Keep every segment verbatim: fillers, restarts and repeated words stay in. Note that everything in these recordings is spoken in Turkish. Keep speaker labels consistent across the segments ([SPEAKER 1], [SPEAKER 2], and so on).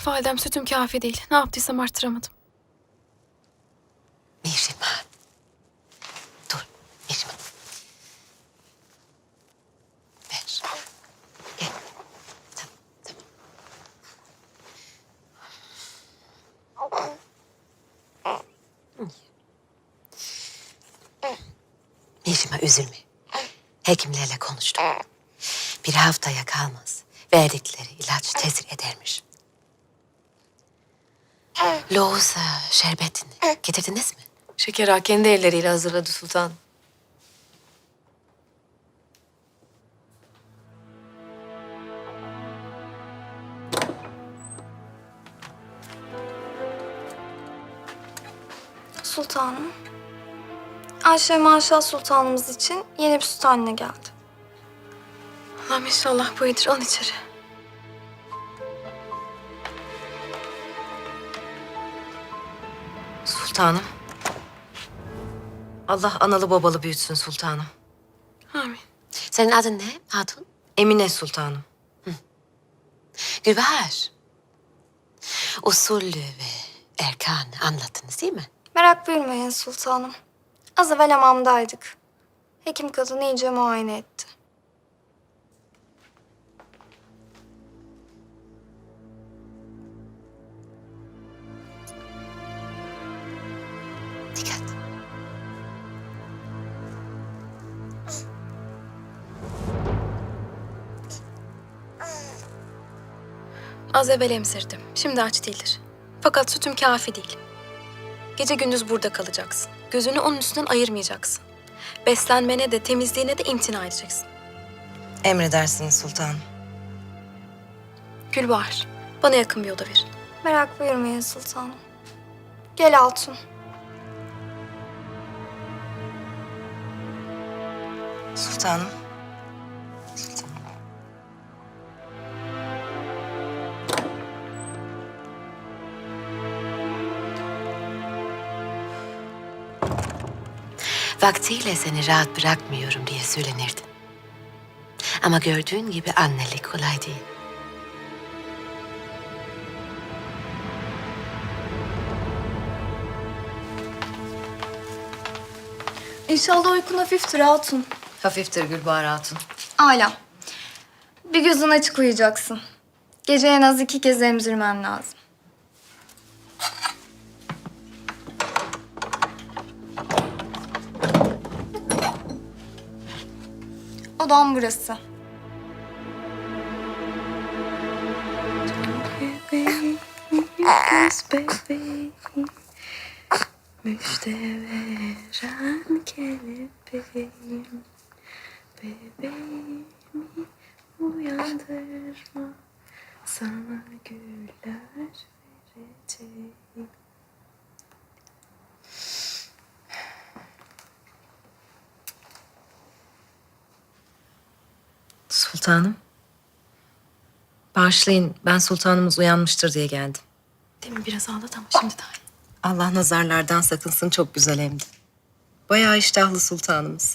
[SPEAKER 1] Validem sütüm kafi değil. Ne yaptıysam arttıramadım.
[SPEAKER 2] Mihrimah. Dur Mihrimah. Ver. Gel. Tamam, tamam. Mihrimah üzülme. Hekimlerle konuştum. Bir haftaya kalmaz. Verdikleri ilaç tesir edermiş. Loğusa şerbetini getirdiniz mi?
[SPEAKER 3] Şeker Ağa kendi elleriyle hazırladı sultan.
[SPEAKER 4] Sultanım. Ayşe Maşa Sultanımız için yeni bir süt haline geldi.
[SPEAKER 1] Allah'ım inşallah bu iyidir. Al içeri.
[SPEAKER 3] Sultanım. Allah analı babalı büyütsün sultanım.
[SPEAKER 1] Amin.
[SPEAKER 2] Senin adın ne hatun?
[SPEAKER 3] Emine sultanım.
[SPEAKER 2] Gülbahar. Usulü ve erkanı anlattınız değil mi?
[SPEAKER 4] Merak buyurmayın sultanım. Az evvel hamamdaydık. Hekim kadın iyice muayene etti.
[SPEAKER 2] Dikkat.
[SPEAKER 1] Az evvel emzirdim. Şimdi aç değildir. Fakat sütüm kafi değil. Gece gündüz burada kalacaksın. Gözünü onun üstünden ayırmayacaksın. Beslenmene de temizliğine de imtina edeceksin.
[SPEAKER 3] Emredersiniz sultanım.
[SPEAKER 1] Gülbahar, bana yakın bir oda verin.
[SPEAKER 4] Merak buyurmayın sultanım. Gel Altun.
[SPEAKER 3] Sultanım.
[SPEAKER 2] Vaktiyle seni rahat bırakmıyorum diye söylenirdi. Ama gördüğün gibi annelik kolay değil.
[SPEAKER 4] İnşallah uykun hafiftir Hatun.
[SPEAKER 3] Hafiftir Gülbahar Hatun.
[SPEAKER 4] Âlâ. Bir gözün açık uyuyacaksın. Gece en az iki kez emzirmen lazım. Odam burası.
[SPEAKER 1] Müjde veren kelebeğim, bebeğimi uyandırma, sana güller vereceğim.
[SPEAKER 3] Sultanım. Bağışlayın, ben sultanımız uyanmıştır diye geldim.
[SPEAKER 1] Demin biraz ağladı ama şimdi daha iyi.
[SPEAKER 3] Allah nazarlardan sakınsın, çok güzel emdi. Bayağı iştahlı sultanımız.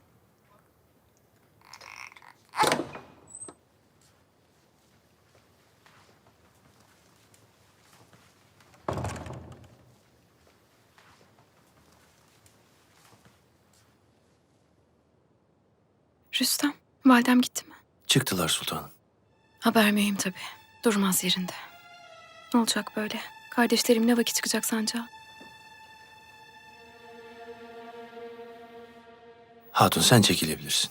[SPEAKER 1] Rüstem, validem gitti mi?
[SPEAKER 5] Çıktılar sultanım.
[SPEAKER 1] Haber mühim tabii. Durmaz yerinde. Ne olacak böyle? Kardeşlerim ne vakit çıkacak sancağa?
[SPEAKER 5] Hatun sen çekilebilirsin.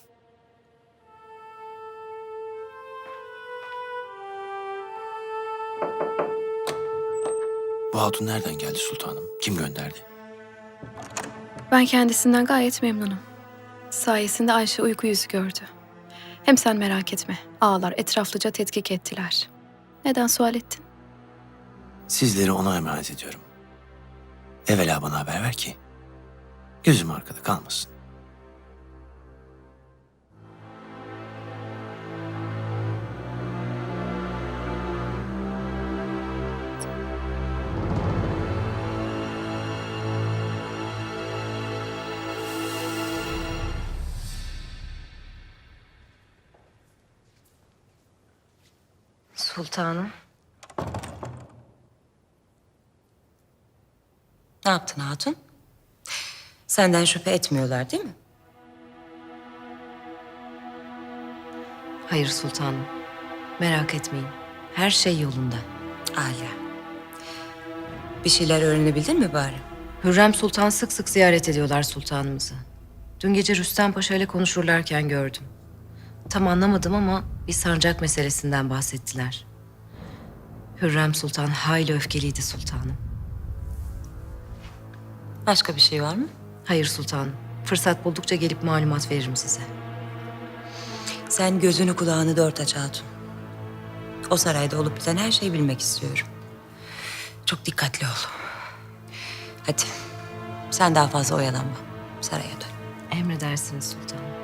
[SPEAKER 5] Bu hatun nereden geldi sultanım? Kim gönderdi?
[SPEAKER 1] Ben kendisinden gayet memnunum. Sayesinde Ayşe uyku yüzü gördü. Hem sen merak etme. Ağalar etraflıca tetkik ettiler. Neden sual ettin?
[SPEAKER 5] Sizleri ona emanet ediyorum. Evvela bana haber ver ki gözüm arkada kalmasın.
[SPEAKER 3] Sultanım. yaptın hatun? Senden şüphe etmiyorlar değil mi?
[SPEAKER 2] Hayır sultanım. Merak etmeyin. Her şey yolunda.
[SPEAKER 3] Âlâ. Bir şeyler öğrenebildin mi bari?
[SPEAKER 2] Hürrem Sultan sık sık ziyaret ediyorlar sultanımızı. Dün gece Rüstem Paşa ile konuşurlarken gördüm. Tam anlamadım ama bir sancak meselesinden bahsettiler. Hürrem Sultan hayli öfkeliydi sultanım.
[SPEAKER 3] Başka bir şey var mı?
[SPEAKER 2] Hayır sultanım. Fırsat buldukça gelip malumat veririm size.
[SPEAKER 3] Sen gözünü kulağını dört aç hatun. O sarayda olup biten her şeyi bilmek istiyorum. Çok dikkatli ol. Hadi. Sen daha fazla oyalanma. Saraya dön.
[SPEAKER 2] Emredersiniz sultanım.